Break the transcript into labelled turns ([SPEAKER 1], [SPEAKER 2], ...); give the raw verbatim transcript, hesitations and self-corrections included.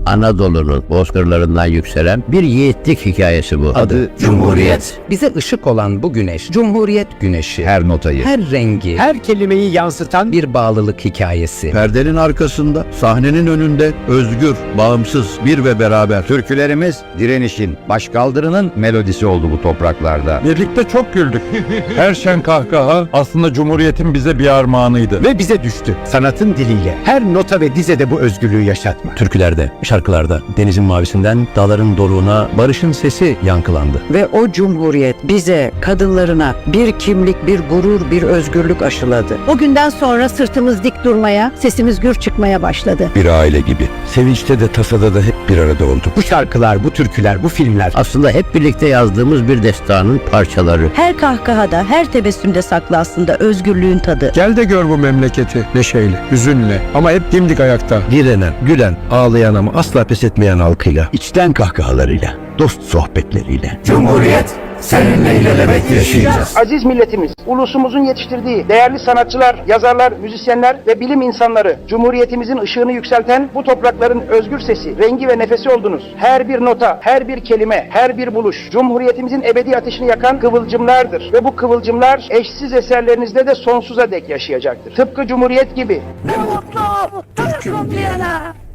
[SPEAKER 1] Anadolu'nun bozkırlarından yükselen bir yiğitlik hikayesi bu.
[SPEAKER 2] Adı Cumhuriyet.
[SPEAKER 3] Bize ışık olan bu güneş, Cumhuriyet güneşi.
[SPEAKER 2] Her notayı,
[SPEAKER 3] Her rengi,
[SPEAKER 2] her kelimeyi yansıtan bir
[SPEAKER 3] bir bağlılık hikayesi.
[SPEAKER 4] Perdenin arkasında, sahnenin önünde, özgür, bağımsız, bir ve beraber.
[SPEAKER 2] türkülerimiz direnişin, başkaldırının melodisi oldu bu topraklarda.
[SPEAKER 5] Birlikte çok güldük. Her şen kahkaha aslında Cumhuriyet'in bize bir armağanıydı.
[SPEAKER 2] Ve bize düştü sanatın diliyle her nota ve dizede bu özgürlüğü yaşatma.
[SPEAKER 6] Türkülerde, şarkılarda, denizin mavisinden dağların doruğuna barışın sesi yankılandı.
[SPEAKER 7] Ve o cumhuriyet bize, kadınlarına bir kimlik, bir gurur, bir özgürlük aşıladı.
[SPEAKER 8] O günden sonra sırtımız dik durmaya, sesimiz gür çıkmaya başladı.
[SPEAKER 6] Bir aile gibi. Sevinçte de tasada da hep bir arada olduk.
[SPEAKER 2] Bu şarkılar, bu türküler, bu filmler
[SPEAKER 1] Aslında hep birlikte yazdığımız bir destanın parçaları.
[SPEAKER 8] Her kahkahada, her tebessümde saklı aslında özgürlüğün tadı.
[SPEAKER 9] Gel de gör bu memleketi neşeyle, hüzünle ama hep dimdik ayakta.
[SPEAKER 6] Direnen, gülen, ağlayan ama asla pes etmeyen halkıyla, içten kahkahalarıyla, dost sohbetleriyle.
[SPEAKER 2] Cumhuriyet seninle ilelebet yaşayacağız.
[SPEAKER 10] Aziz milletimiz, ulusumuzun yetiştirdiği değerli sanatçılar, yazarlar, müzisyenler ve bilim insanları, Cumhuriyetimizin ışığını yükselten bu toprakların özgür sesi, rengi ve nefesi oldunuz. Her bir nota, her bir kelime, her bir buluş, Cumhuriyetimizin ebedi ateşini yakan kıvılcımlardır. Ve bu kıvılcımlar eşsiz eserlerinizde de sonsuza dek yaşayacaktır. Tıpkı Cumhuriyet gibi.
[SPEAKER 8] Ne mutlu Türk'üm diyene.